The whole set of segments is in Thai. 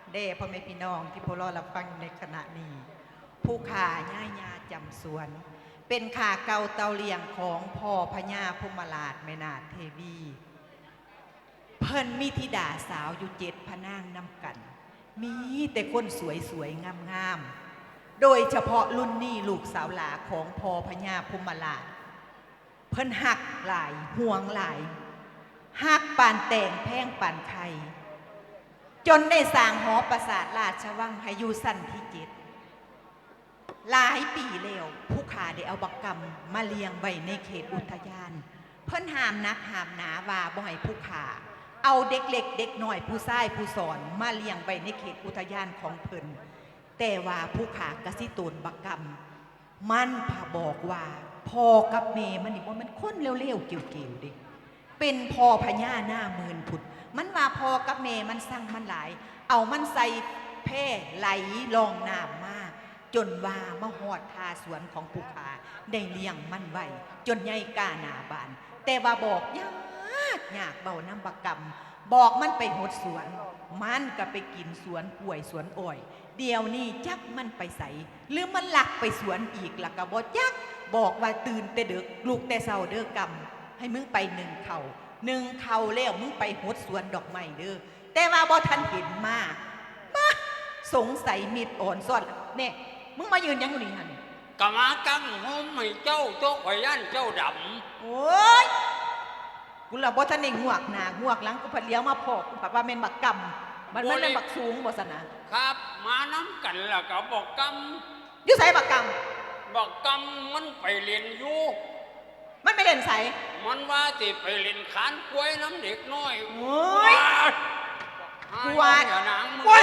เด้พ่อแม่พี่น้องที่พวกเรารับฟังในขณะนี้ผู้ขาย่ายาจำสวนเป็นขาเก่าเตาเลียงของพ่อพญาพมราชแม่นาถเทวีเพิ่นมีธิดาสาวอยู่7 พระนางนำกันมีแต่คนสวยๆงามๆโดยเฉพาะรุ่นนี้ลูกสาวหลาของพ่อพญาพมราชเพิ่นหักหลายห่วงหลายหักปานแต่งแพงปานไข่จนได้สร้างหอปราสาทราชวังให้อยู่สั้นที่7หลายปีแล้วผู้ขาได้เอาบักกรรมมาเลี้ยงไว้ในเขตอุทยานเพิ่นห้ามนักห้ามหนาว่าบ่ให้ผู้ขาเอาเด็กเล็กเด็กน้อยผู้ชายผู้สอนมาเลี้ยงไว้ในเขตอุทยานของเพิ่นแต่ว่าผู้ขากระสิตูนบักกรรมมันพาบอกว่าพ่อกับแม่มันนี่ว่ามันคนเร็วๆเกี่ยวๆดิเป็นพ่อพญาหน้าหมื่นผุดมันว่าพ่อกับแม่มันสั่งมันหลายเอามันใส่แพร่ไหลลองน้ำมาจนว่ามาหอดทาสวนของผู้ขาได้เลี้ยงมันไว้จนใหญ่กาหนาบานแต่ว่าบอกยากเบาน้ำบักกรรมบอกมันไปหดสวนมันก็ไปกินสวนกล้วยสวนอ้อยเดี๋ยวนี้จักมันไปใส่หรือมันหลักไปสวนอีกล่ะก็บ่จักบอกว่าตื่นแต่ดึกลูกแต่เช้าเด้อกรรมให้มึงไป1 เข่าแล้วมึงไปหดสวนดอกไม้เด้อแต่ว่าบ่ทันเห็นมาสงสัยมีดอ่อนซ่อนเนี่ยมึงมายืนยังอยู่นี่ฮะนี่กะมากังหอมให้เจ้าโจ๊กข่อยย่านเจ้าดโอ้ยกูละบ่ทันได้งวกหน้างวกหลังกูผัดเลี้ยวมาพอกกูผัดว่าแม่นบักกำมันเป็นบักสูงบ่สนะครับมาน้ำกันล่ะก็บอกกอยู่ไสบักกำบอกกำมันไปเรียนอยู่มันไม่เล่นไสมันว่าสิไปเรียนขานกล้วยน้ำเด็กน้อยโอ้ยกูว่าอย่าหนังมึงโอ้ย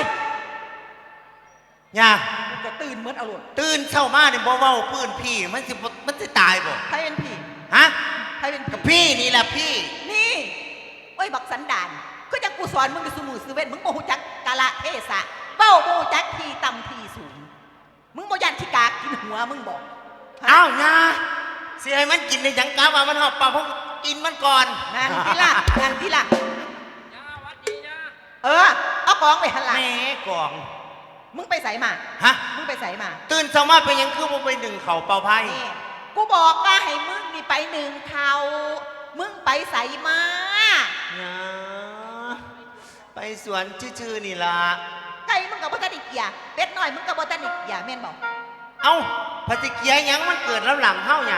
ย่ากูก็ตื่นเหมือนอารมณ์ตื่นเช้ามาเนี่ยบ่เว้าปืนพี่มันสิตายบ่ใครเป็นพี่ฮะใครเป็นพี่นี่แหละพี่นี่โอ้ยบักสันดานก็จังกูสอนมึงไปสู่มือซื้อเว้นมึงบ่ฮู้จักกาลเทศะเว้าบ่ฮู้จักที่ต่ำที่สูงมึงบ่ยันที่กากินหัวมึงบอกอ้าวย่าสิให้มันกินในหยังกะว่ามันหอบปากเพราะกินมันก่อนนั่นที่ล่ะย่าวัดดีย่าเอากองไปหันหลังแม่กองมึงไปใส่มาฮะมึงไปใส่มาตื่นเช้ามาเป็นยังคือมึงไป1 เข่าเป่าไพ่กูบอกว่าให้มึงนี่ไป1 เข่ามึงไปใส่มาย่าไปสวนชื่อๆนี่ล่ะไก่มึงกับบ่ทันอีกอย่าเป็ดน้อยมึงกับบ่ทันอีกอย่าแม่นบอกเอ้าพระสิเกียยังมันเกิดแล้วหลังเฮาหย่า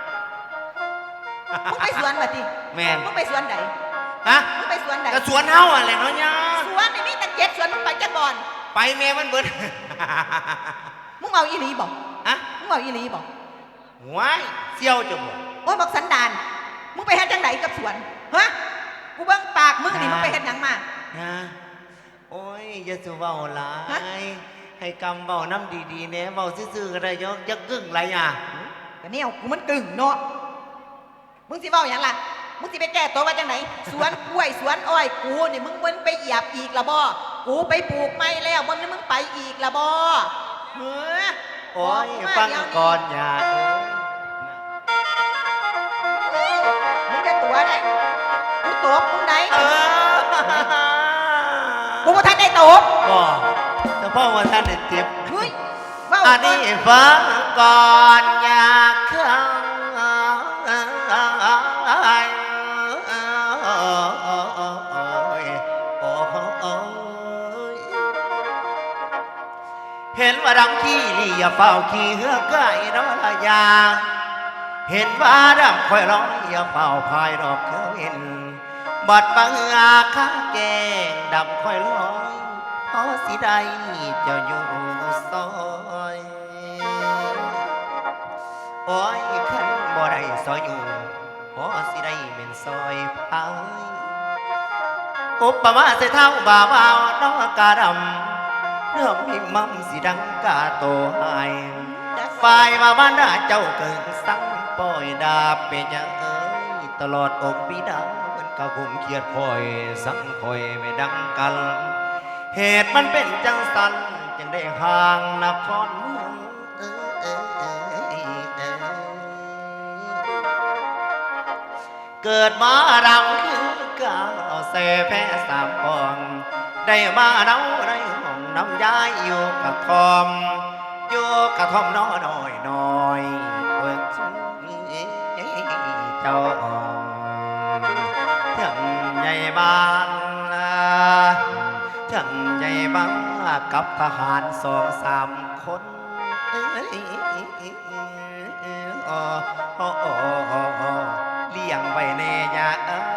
มึงไปสวนมาดิแม่นมึงไปสวนไหนฮะมึงไปสวนไหนก็สวนเฮาอะไรเนาะย่าสวนนี่มีตั้ง7 สวนมึงไปจักบ่อนไปแม่มันเบิดมึงเอาอีหลีบอกฮะมึงเอาอีหลีบอกว้ายเสี่ยวจะบอกโอ้ยบักสันดานมึงไปเฮ็ดจังไหนกับสวนฮะกูเบิ่งปากมึงนี่มึงไปเฮ็ดหยังมาฮะโอ้ยอย่าสิเว้าหลายให้กำเว้าน้ำดีๆแน่เว้าซื่อๆก็ได้อย่ากึ่งหลายอ่ะก็แนวกูมันกึ่งเนาะมึงสิเว้าหยังล่ะมึงสิไปแก้ตัวว่าจังไหนสวนกล้วยสวนอ้อยกูนี่มึงไปเหยียบอีกละบ่กูไปปลูกไม้แล้วมึงไปอีกละบ่เฮ้อโอ้ยฟังก่อนอย่ามึงจะตัวไหนกูตบมึงไหนกูบ่ทันได้ตบบ่แต่พ่อว่าท่านได้เจ็บเฮ้ยอันนี้ฟังก่อนอย่าเข้าเห็นว่าดังขี้นี่อย่าเฝ้าขี้เหือไก่นอละยาเห็นว่าดังคอยร้องอย่าเฝ้าพายดอกเขวินบัดบังอาข้าแกงดำคอยร้อยเพราะสิได้เจ้าอยู่ซอยโอ้ยขันบ่ได้ซอยอยู่เพราะสิได้เป็นซอยพายอุปมาใส่เท้าบ่าวาวนอกกาดำเริ่มมีมั่มสิดังกาโตหายฝ่ายมาบ้านด่าเจ้าเกิงสังปล่อยดาเป็นยังตลอดอกปีดามันก็คุมเคียดคอยสังคอยไม่ดังกันเหตุมันเป็นจังสันจึงได้ห่างนครเมืองเกิดมาดังคือกาเอาเสแพ้3 ปองได้มาเนาได้ห้องน้ำย้ายอยู่กระทอมอยู่กระทอมน้อยน้อยน้อยเวิร์กเจ้าถึงใหญ่บางถึงใหญ่บางกับทหาร2-3 คนเลี้ยงไว้ในยา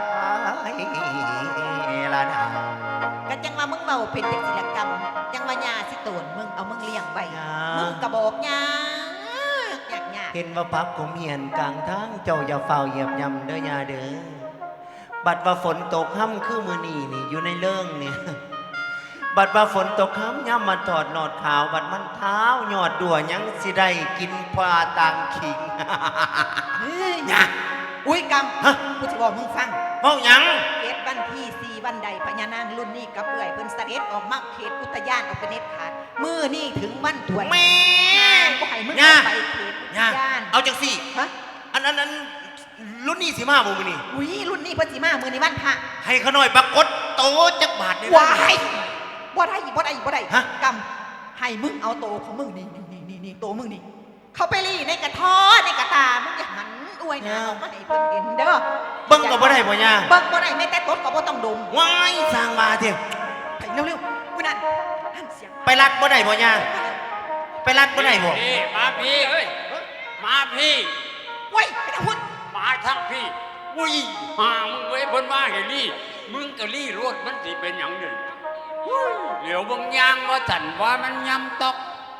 ละนางก็จังว่ามึงเบาเป็นศิลปกรรมจังว่ายาสิโตนมึงเอามึงเลี้ยงไว้ย่ามึงกระบอกยาอยากเห็นว่าพักผมเหียนกลางทางเจ้าอย่าเฝ้าเหยียบย่ำเด้อยาเด้อบัดว่าฝนตกห้ำคือมือนี่นี่อยู่ในเรื่องเนี่ยบัดว่าฝนตกห้ำย่ำมาถอดหนอดขาวบัดมันเท้าหยอดดัวยังสิได้กินปลาต่างขิงเฮ้ยเนี่ยอุ้ยกรรมฮะกูจะบอกมึงฟังเมาหยังเกตวันที่4วันใดพญานางรุ่นนี้กับเอื่อยเพิ่นเสด็จออกมาเขตอุทยานออกไปเน็ตขาดมือนี่ถึงวันถวนแม่ก็ให้มึงย่าเอาไปเขตอุทย่ายานเอาจังสิฮะอันนั้นรุ่นนี้สิมาบ่มื้อนี้อุ้ยรุ่นนี้เพิ่นสิมามือในวันพระให้เขาหน่อยปรากฏโตจักบาทนี่วายบ่ได้บ่ได้บ่ได้ฮะกรรมให้มึงเอาโตของมึงนี่โตมึงนี่เขาไปรีในกระท้อในกระตามึงอย่าหันอวยหนะออกมาให้เพิ่นเห็นเด้อเบิ่งก็บ่ได้บ่ย่าเบิ่งบ่ได้แม้แต่ตดก็บ่ต้องดมว้ายสร้างมาเถอะไปเร็วๆมื้อนั้นหันเสียงไปรัดบ่ได้บ่ย่าไปรัดบ่ได้บ่พี่มาพี่เอ้ยมาพี่เว้ยไปทางพุ่นมาทั้งพี่วุ้ยหามึงไว้เพิ่นมาให้ลี่มึงก็ลี่รวดมันสิเป็นหยังหนึ่งเหลียวบางยางว่าสันว่ามันยำตอก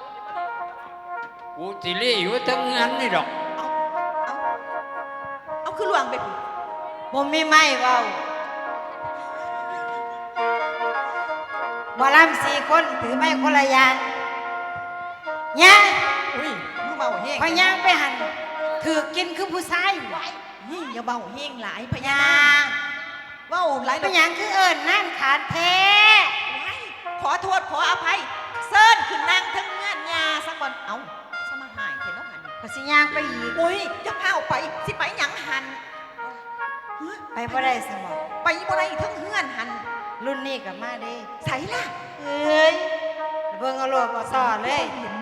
กูสิลี่อยู่ทั้งนั้นนี่ดอกเอาคือลวงไปพุ่นบ่มีไม้เว้าบ่ลำ4 คนถือไม้คนละอย่างย่าอุ้ยมึงเบาแห้งพย่างไปหันถือกินคือผู้ชายนี่อย่าเบาแห้งหลายพญาย่านาคเว้าหลายเป็นหยังคือเอิ้นนั่นขาดแท้ไว้ขอโทษขออภัยเซิ้นขึ้นนางทั้งเงื่อนยาสักวันเอ้าสมาหายเถอะเนาะหันก็สิย่างไปอีกอุ้ยอย่าพาออกไปสิไปหยังหันเฮ้ยไปบ่ได้สมองไปบ่ได้ทั้งเฮือนหันรุ่นนี้ก็มาเด้ใส่ล่ะเอ้ยเบิ่งเอาโลดบ่ต่อเลยเห็น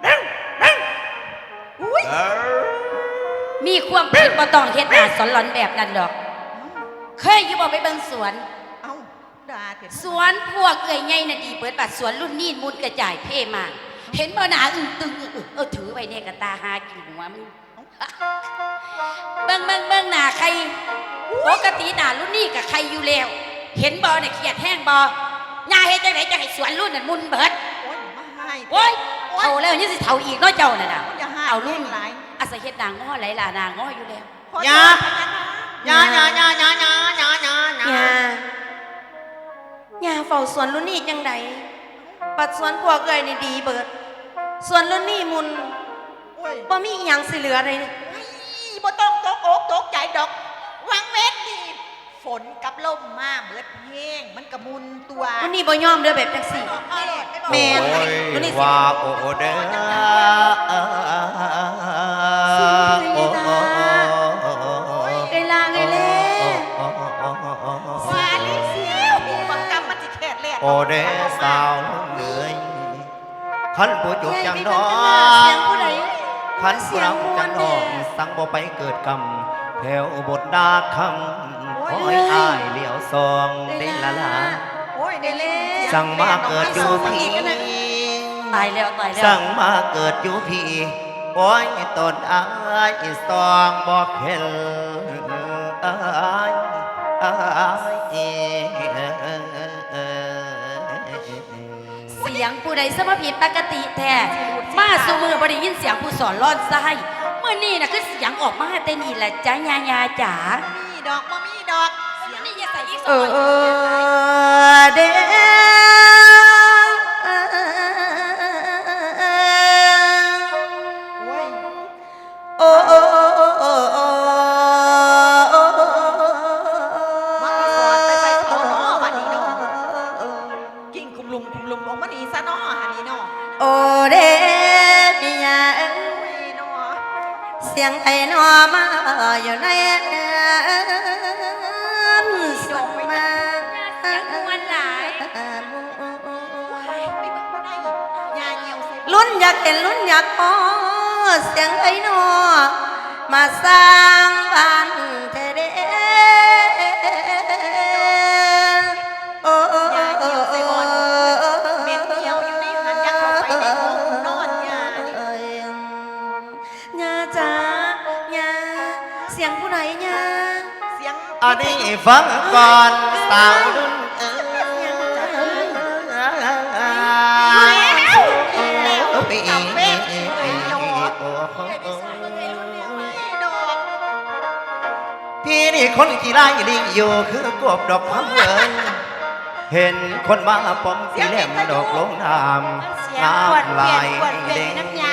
อุ้ยมีความผิดบ่ต้องเฮ็ดหน้าสอนหลอนแบบนั้นดอก เคยอยู่บ่ไปเบิ่งสวนเอ้าด่าเถอะสวนพวกเอ้ยใหญ่น่ะดีเปิดบัดสวนรุ่นนี้มูลกระจายเพ่มากเห็นบ่หนาอึ้งตึงถือไว้เนี่ยกระตาหากินหัวมันเบิ่งหน้าใครปกติหน้ารุ่นนี้กับใครอยู่แล้ว เห็นบ่เนี่ยเครียดแห้งบ่ย่าเฮ็ดจังได๋จะให้สวนรุ่นนั้นมุนเบิดโอ้ยมาให้โอ้ยเฒ่าแล้วยังสิเฒ่าอีกเนาะเจ้าน่ะอย่าให้เอารุ่นหลายอาศัยเฮ็ดนางง้อไหลลานางง้ออยู่แล้วขอโทษอย่าพญานาคย่าย่าเฝ้าสวนรุ่นนี้จังใดปัดสวนพวกเอ้ยนี่ดีเบิดสวนรุ่นนี้มุนโอ้ยบ่มีอิหยังสิเหลือเลยบ่ต้องตกอกตกใจดอกวังเม็ดนี่ฝนกับลมมาเบิดแห้งมันกระมุนตัวรุ่นนี้บ่ยอมเด้อแบบจังสี่ แม่นโอ้ยรุ่นนี้สิว่าโอ้เด้อไอ้ลาไงเล่ว่าลิเสียวบังกำมันสิแขดแลดโอ้เด้อสาวเหนื่อยขันผู้จุกจังดอเสียงผู้ใดขันผู้รักจังดอกสั่งบ่ไปเกิดกรรมแถวบทดาคำคอยอ้ายเหลียวซองได้ละลาโอ้ยได้เล่สั่งมาเกิดอยู่พี่ตายแล้วตายแล้วสั่งมาเกิดอยู่พี่โอ้ยตนอ้ายซองบอกเห็นอ้ายอ้ายเสียงผู้ใดสมผิดปกติแท้มาสู่มือบ่ได้ยินเสียงผู้สอนรอดซ้ายเมื่อนี่นะคือเสียงออกมาแต่นี่แหละจ้ายายาจ๋ามีดอกบ่มีดอกเสียงนี่อย่าใส่อีกสเอองอเด้อโอ้ยโอ้มาไปก่อนไปใส่เขาเนาะบัดนี้เนาะกิ่งคุมลุมออกมานี่ซะเนาะหันนี่เนาะโอ้เด้พี่ยาโอ้ยเนาะเสียงไอ้นอมาอยู่ในสงมาเสียงมวนหลายไปเบิ่งากเห็นลุ้นอยากพอเสียงไอ้นอมาสร้างบ้านเทเดโอ้โอ้ยายเหี่ยวใส่บอลเม็ดเหี่ยวอยู่ในหันยักเข้าไปในห้องนอนยานี่ยาจ๋ายาเสียงผู้ใดยาเสียงอันนี้ฟังก่อนสาวรุ่นพี่นี่คนที่ไล่ลิงอยู่คือกบดอกพังเอิญเห็นคนมาปอมสีแหลมดอกลงน้ำน้ำลายเด้ง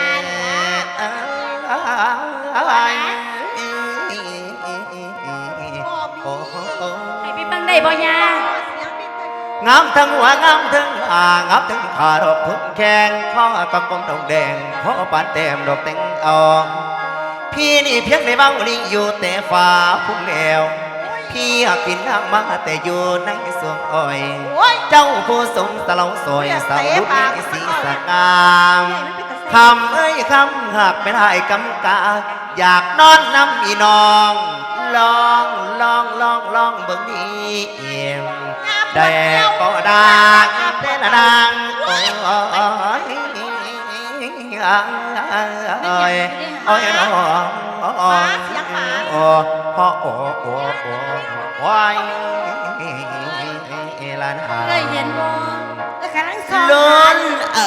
ให้ไปบังได้บ่ยางามทั้งหัวงามทั้งงามทั้งขาดอกทุ่งแข้งข้อกระปองดอกแดงข้อปานแต้มดอกแตงอ่อนพี่นี่เพียงในบ้างลิงอยู่แต่ฟ้าพุ่งแล้วพี่กินน้ำมาแต่อยู่ในสวงอ้อยเจ้าผู้ทรงตะเลาสอยสาวลุกนี้สีสงามคำเอ้ยคำหักไม่ได้กำกาอยากนอนน้ำอีน้องลองเบิ่งนี้เอ็มแต่ก็ดังแต่ละดังโอ้ยน้องวายลานหาเคยเห็นบ่ก็กำลังซ้อมล้น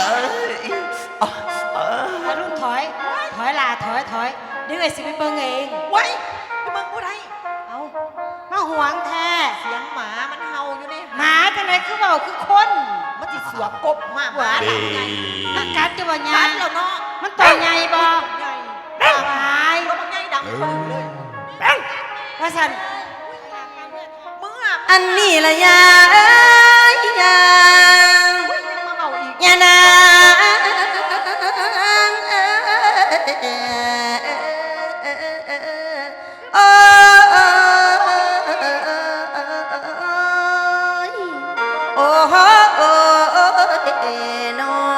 รุ่นถอยลาถอยเดี๋ยวไอ้สิไปเบิ่งเองไว้พี่เบิ่งผู้ใดเอามาหวงแท้เสียงหมามันเห่าอยู่ในหมาจังไหนคือเบาคือคนมันจิสวบกบมาหมาหลังใหญ่อากัดจะบ่ชัยานแล้วเนาะมันตัวใหญ่บ่ใหญ่ตายก็มันใหญ่ดังปึ้งเลยว่าสันมึงอ่ะอันนี้ละยาเอ้ยยายังมาเห่าอีกยานางโอ้ยโอ้โหโอ้ยน้อง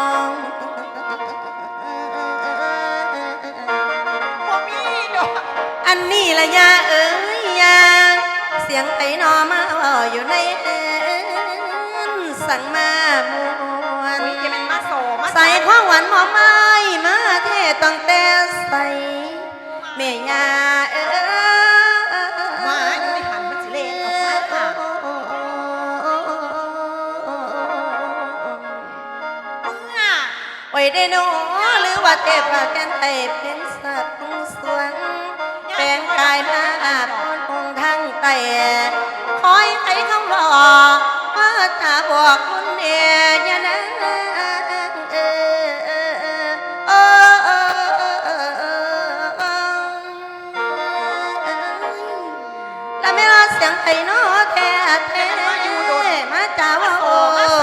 บ่มีดอกอันนี้ละยาเอ้ยยาเสียงไอ้นอมาเว่าอยู่ในเอ็นสั่งมามวนอุ้ยจะเป็นมาโซมาใส่ข้าวหวานหอมไม้มาเทตั้งแต่ใส่เมียาเอ้ยหมาอยู่ในหันมันสิเล่นออกมาค่ะมึงอ่ะโอ้ยได้หนูหรือว่าเจ็บว่าแกนไตเป็นสัตว์สวงแปลงกายมาอาบนองค์ทั้งไตคอยใครคำรอว่าจะบอกคุณเดียนะแล้วไม่รอเสียงไผ่นอแท้แท้มาจ้าว่าโอ้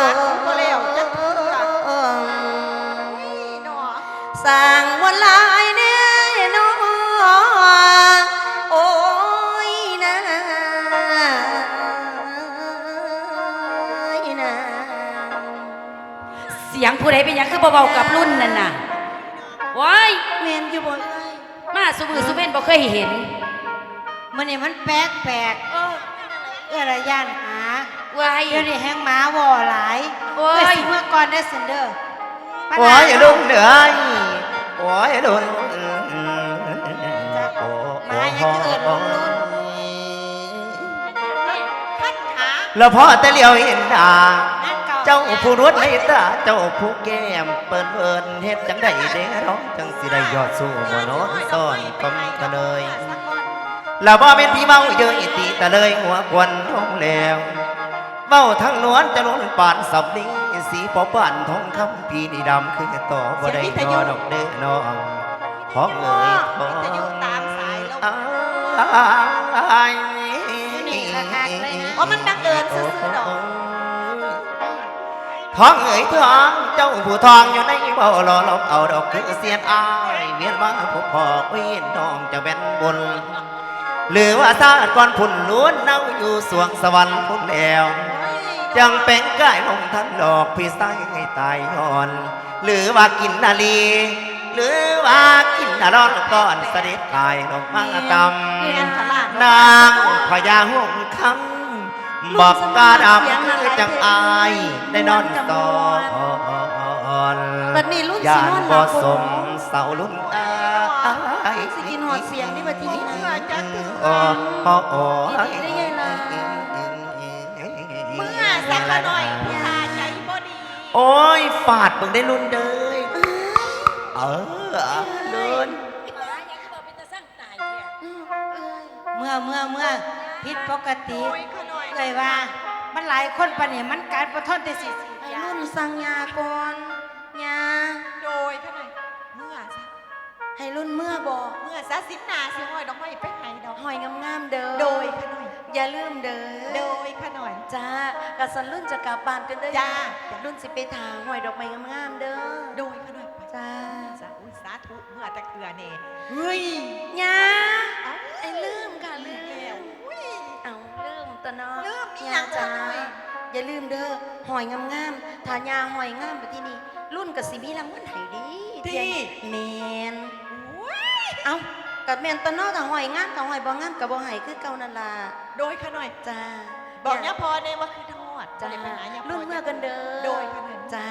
นี่เนาะสั่งวันลายเนี่ยนอโอ้ยนะนะเสียงผู้ใดเป็นหยังคือเบาๆกับรุ่นนั่นน่ะว้ายเมนอยู่บนเลยมาสุมือสุเม่นบ่เคยเห็นมันนี่มันแปลกอะไรย่านหาว้ายเดี๋ยวนี้แห้งหมาว่อหลายโอ้ยเมื่อก่อนได้เซนเดอร์โอ้ยลุงเหนื่อยโอ้ยลุนมายังคือเอิญลุงท่านขาแล้วพอแต่เลี้ยวเห็นหน้านั่นเก่าเจ้าผู้รวดในตาเจ้าผู้แก้มเปิ้นเอินเฮ็ดจังได้เด้ร้องจังสิได้ยอดสู้บ่นอนซ่อนกำกันเลยแล้วบ่เป็นพี่เมาเยอะอีตีตะเลยหัวควันท้องแล้วเว้าทั้งนวลจะล้นปานสับลิงสีปอปานทองคำพี่นี่ดำคือต่อบ่ได้นอดอกเด้อน้องท้องเอ้ยท้องจะอยู่ตามสายแล้วเพราะมันดังเอิญซื่อๆดอกท้องเอ๋ยท้องเจ้าผู้ทองอยู่ในบ่อรอลบเอาดอกคือเสียนอ้ายเวียนมาพบพ่อวินน้องจะเป็นบุญหรือว่าชาติก่อนพุ่นล้วนเน่าอยู่สวงสวรรค์พุ่นแล้วจังเป็นกายลงทันดอกพี่ใส่ให้ตายย้อนหรือว่ากินนาลีหรือว่ากินนาร้อนก่อนเสด็จกายลงมาตำนางพญาหุ่นคำบอกกาดำจังอายได้นอนตอนบัดนี้รุ่นยาสินนอนหบ่ลับสมเสารุ่นอายสิกินหอดเสียงนี่บัดทีนี้นะ ได้ไงล่ะเมื่อสักหน่อยผู้ขาใจบ่ดีโอ้ยฝาดเบิ่งได้รุ่นเด้ยรุ่นหมายังก็บอกเป็นตาสร้างตายเนี่ยเมื่อผิดปกติโอ้ยขาหน่อยเลยว่า มันหลายคนปะเนี่ยมันการประทนแต่สิให้รุ่นสั่งยาก่อนยาโดยขาหน่อยเมื่อซะให้รุ่นเมื่อบอกเมื่อซะสินนาสิห้อยดอกไม้ไปให้ดอกหอยงามๆเด้อโดยขาหน่อยอย่าลืมเด้อโดยขาหน่อยจ้ากะสันรุ่นจะกลับบ้านกันเด้อจ้ารุ่นสิไปถาหอยดอกไม้งามๆเด้อโดยขาหน่อยไปจ้าสาธุสาธุเมื่อตะเกือเน่เฮ้ยยาไอ้ลืมค่ะลืแล้วมอุ้ยเอาลืมตะเนาะลืมอีหยังจ้าจ้ะอย่าลืมเด้อหอยงามๆทานยาหอยงามไปที่นี่รุ่นกับสิมีรางวัลให้ดีที่แมนอุ้ยเอากับแมนตะเนาะกับหอยงามกับหอยบ่งามกับบ่ให้คือเก่านั่นล่ะโดยขาหน่อยจ้าบอกย่าพอได้ว่าคือทอดจ้าจะได้ไปหาย่าพอรุ่นเมื่อกันเด้อโดยขาหน่อยจ้า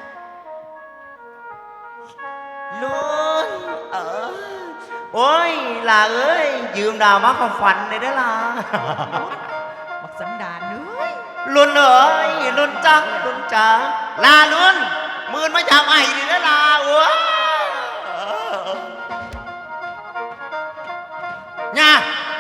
รุ่นโอ้ยล่ะเอ้ยยืมดาวมาเข้าฝันได้เด้อล่ะบักสันดานเอ้ยรุ่นเอ้ยรุ่นจังรุ่นจ๋าลารุ่นมือนมาจากไอ้ดิเด้อล่ะโอ้ยเนี่ย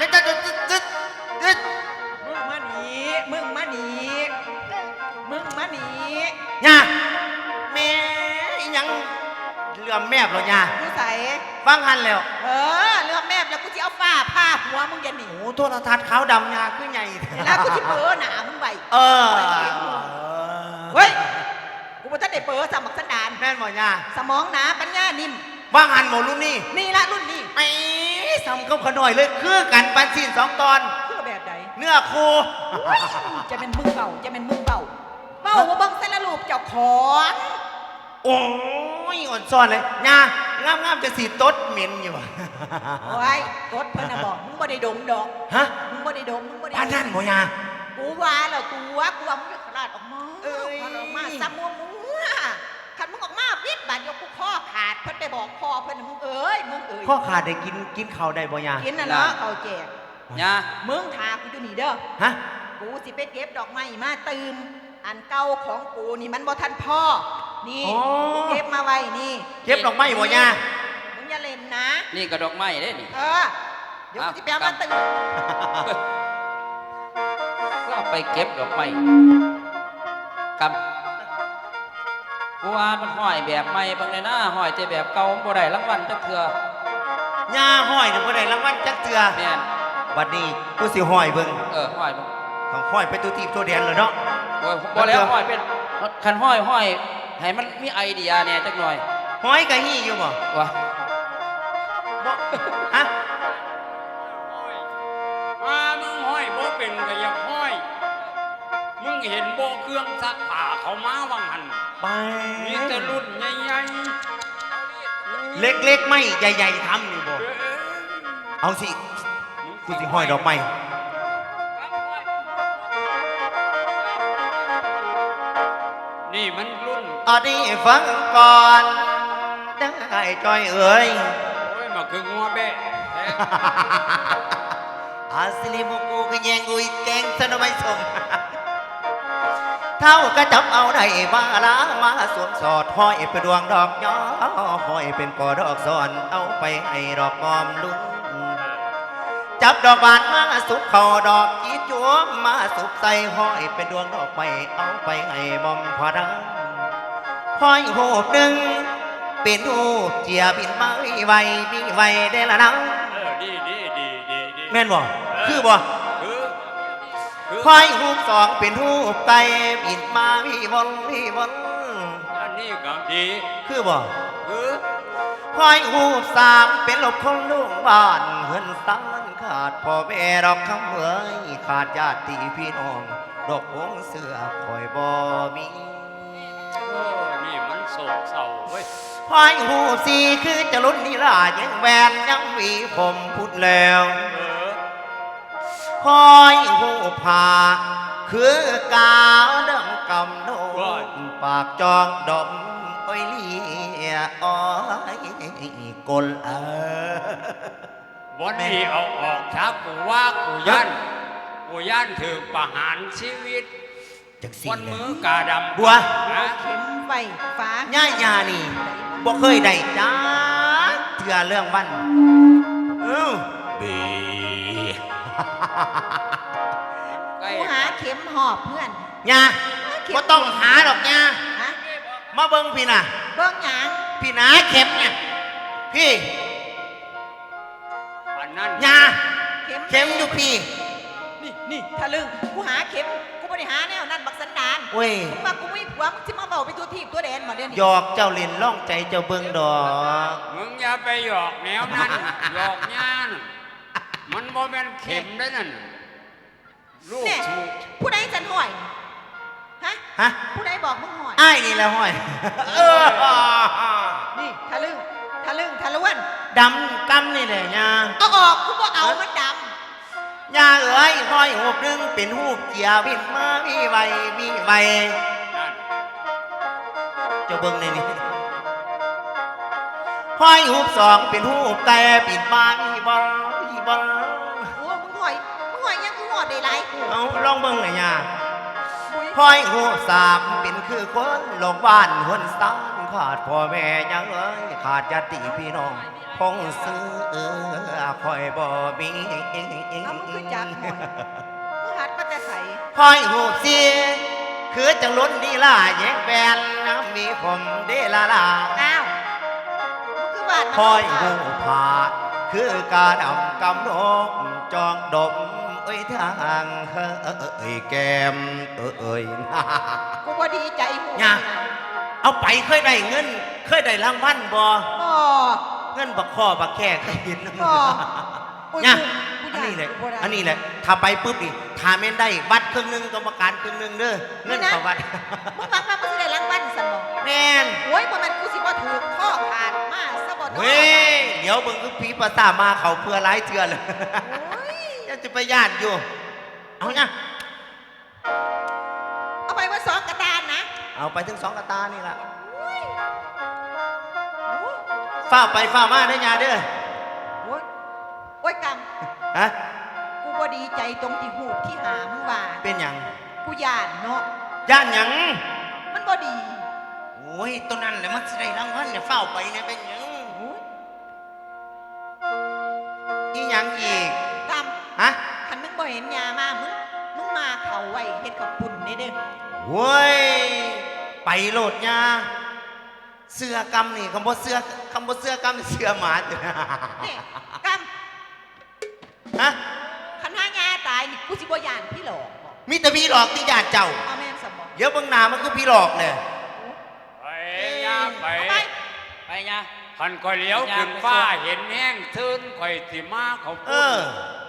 จะมึงมาหนีมึงมาหนีมึงมาหนีเนี่ยแม่อีหยังเรือแมบเหรอเนี่ยกูใส่ฟังหันแล้วเรื่องแม่แล้วกูจะเอาฝ้าผ้าหัวมึงอย่าหนีโอ้โทรทัศน์ขาวดำยาขึ้นใหญ่แล้วกูจะเปิดหนามึงไปเออเฮ้ยกูบ่ทันได้เปิดสมบักสันดานแม่นบ่ยาสมองหนาปัญญานิ่มฟังหันหมดรุ่นนี้นี่ละรุ่นนี้ไอ้ซ้ำเขาขน่อยเลยคือกันปันสิน2 ตอนคือแบบใดเนื้อคูจะเป็นมึงเบาจะเป็นมึงเบาเบาว่าเบิ่งเส้นละรูปเจ้าของโอ้ยอ่อนซ่อนเลยยางามจะสีตดเหม็นอยู่โอ้ยกดเพิ่นน่ะบอกมึงบ่ได้ดมดอกฮะมึงบ่ได้ดมมึงบ่ได้ปานนั่นบ่ยากูว่าแล้วตัวกูว่ามึงจะขลาดออกมาเอ้ยขลาดออกมาซ้ำมัวคันมึงออกมาปิดบาดเดียวกูข้อขาดเพิ่นได้บอกพ่อเพิ่นน่ะมึงเอ้ยพ่อขาดได้กินข้าวได้บ่ยากินน่ะเนาะเขาแจกยามึงทากูอยู่นี่เด้อฮะกูสิไปเก็บดอกไม้มาตืมอันเก่าของกูนี่มันบ่ทันพ่อนี่อ๋อกูเก็บมาไว้นี่เก็บดอกไม้บ่ยามึงอย่าเล่นนะนี่กระดอกไม้เด้นี่เดี๋ยวกูสิไปเอามาตืมก็ไปเก็บดอกไม้กำกูว่ามันห้อยแบบใหม่บางในหน้าห้อยแต่แบบเก่ามันบ่ได้รางวัลจักเทื่อยาห้อยนี่บ่ได้รางวัลจักเทื่อแม่นบัดนี้กูสิห้อยเบิ่งห้อยบ่ต้องห้อยไปตัวทีบตัวแดนเลยเนาะโอ้ยบ่แล้วห้อยเป็นคันห้อยให้มันมีไอเดียแหน่จักหน่อยห้อยกะฮี่อยู่บ่ว่าบ่ฮะมึงห้อยบ่เป็นก็อย่าห้อย มึงเห็นบ่เครื่องซักผ้าเขามาว่างหันไปมีแต่รุ่นใหญ่เล็กๆไม่ใหญ่ๆทำนี่บ่ๆเอาสิกูสิห้อยดอกไม้นี่มันรุ่นตอนนี้ฟังก่อนได้จอยเอ๋ยโอ้ยมาคืองัวแบะแท้อาสิลิมุกูก็แยงกุยแกงสนไม่สม เท่าก็จับเอาได้มาล้างมาสวมสอดห้อยเป็นดวงดอกย้อห้อยเป็นกอดอกซ้อนเอาไปให้ดอกงอมลุ้น จับดอกบานมาสุกเข่าดอกจีบจัวมาสุกใส่ห้อยเป็นดวงดอกไม้เอาไปให้มอมพอดังห้อยหูบหนึ่งเป็นหูบเจียบินมาไวมีไวได้ละนังดีแม่นบ่คือบ่คือห้อยหูบสองเป็นหูบไก่บินมาวิวนอันนี้ก็ดีคือบ่คือห้อยหูบสามเป็นหลบคนลุงบ้านเฮินสานขาดพ่อแม่ดอกคำเอ๋ยขาดญาติพี่น้องดอกหงเสือคอยบ่มีนี่มันโศกเศร้าเว้ยพอยหูสีคือจะลุ้นนี่ล่ะยังแวนยังหวีผมพูดแล้วเออพอยหูผ่าคือกาวเดิมกำโนดปากจองดมโอ้ยเลียอ้อยกลวันนี้เอาออกชักกูว่ากูย่านถือประหารชีวิตจักสิวันเลมืยอกาดำบัวนะเข็มไฟฟ้าย่ายานี่บ่เคยได้จ้าเถื่อเรื่องมันบีใกล้กูหาเข็มหอบเพื่อนย่าบ่ต้องหาดอกย่าฮะมาเบิ่งพี่น่ะเบิ้งหยังพี่นาเข็มเนี่ยพี่อันนั้นย่าเข็มเข็มอยู่พี่นี่ทะลึ่งกูหาเข็มกูไม่ได้หาแนวนั่นบักสันดานเว้ยมึงมากูไม่ผัวมึงจะมาเบาไปตัวทีบตัวแดนมาเดี๋ยวนี้หยอกเจ้าเล่นล่องใจเจ้าเบิ่งดอกมึงอย่าไปหยอกแนวนั้น หยอกย่านมันบ่แม่นเข็มได้นั่นลูกเนี่ยถูกผู้ใดจันห่อยฮะฮะผู้ใดบอกมึงห่อยอ้ายนี่แหละห้อยนี่ทะลึ่งทะล้วนดำกำนี่แหละย่าเอาออกกูบอกเอามันดย่าเอ้ยห้อยหูบหนึงเป็นหูบเกียร์วินมามีใบนั่นเจ้าเบิ่งในนี่ห้อยหูบสองเป็นหูบแต่ปิดมามีบอลำโอ้มึงห่อยยังกูห่อยได้หลายกูเอาลองเบิ่งหน่อยย่าอุ๊ยห้อยหูบสามเป็นคือคนลงบ้านคนสานขาดพ่อแม่ยังเอ้ยขาดญาติพี่น้องคงซื้อคอยบ่มีเอามึงคือจักห่อยมึงหัดมาแต่ใสห้อยหูบสีคือจังล้นดีล่าแยกแบนน้ำมีผมเดลาลาอ้าวมึงคือบ้านมันห้อยหูผาคือกาดำกำนกจองดมเอ้ยทางเฮ้ยแก้มเอ้ยกูบ่ดีใจหูย่า เอาไปเคยได้เงิน เคยได้รางวัลบ่บ่เงินบักข้อบักแค่เคยเห็นบ่โอ้ยเนี่ยกูอันนี้แหละกูได้อันนี้แหละถ้าไปปุ๊บนี่ถ้าแม่นได้บัตรครึ่งหนึงกรรมการครึ่งหนึงเด้อเงินเข้าบัตรมึงฟังมามึงสิได้รางวัลสั่นบ่แม่นโอ้ยบ่แม่นกูสิบ่ถูกข้อขาดมาซะบ่เนาะเว้ยเดี๋ยวมึงคือผีประสาทมาเขาเพื่อร้ายเทือนเลยโอ้ยยังจะไปย่านอยู่ เอาเนี่ยเอาไปว่าสองกระดานนะเอาไปถึงสองกระตานี่ล่ะโอ้ยโอ้ยฝ้าไปฝ้ามาได้อยาเด้อโอ้ยโอ้ยกฮะำกูบ่ดีใจตรงที่หูบที่หามึงว่าเป็นหยังกูย่านเนาะย่านหยังมันบ่ดีโอ้ยตัวนั้นแหละมันสิได้รางวัลเนี่ยเฝ้าไปเนี่ยเป็นหยังโอ้ยอีหยังอีกกฮะำคันมึงบ่เห็นยามามึงมาเขาไว้เฮ็ดกับปุ่นนี่เด้อโว้ยไปโลดยาเสื้อกำนี่คำว่าเสื้อกำนี่เสื้อหมาจ้ะนี่กฮะำคันหายาตายนี่กูสิบ่ย่านพี่หลอกบ่มีแต่พี่หลอกที่ญาติเจ้าเอาแม่นสมองเดี๋ยวเบางหนามันคือพี่หลอกเลยไปย่าไปเอาไปไปยาคันคอยเลี้ยวขึ้นฟ้าเห็นแห้งทืนคอยสิมาเขาเอพูดอ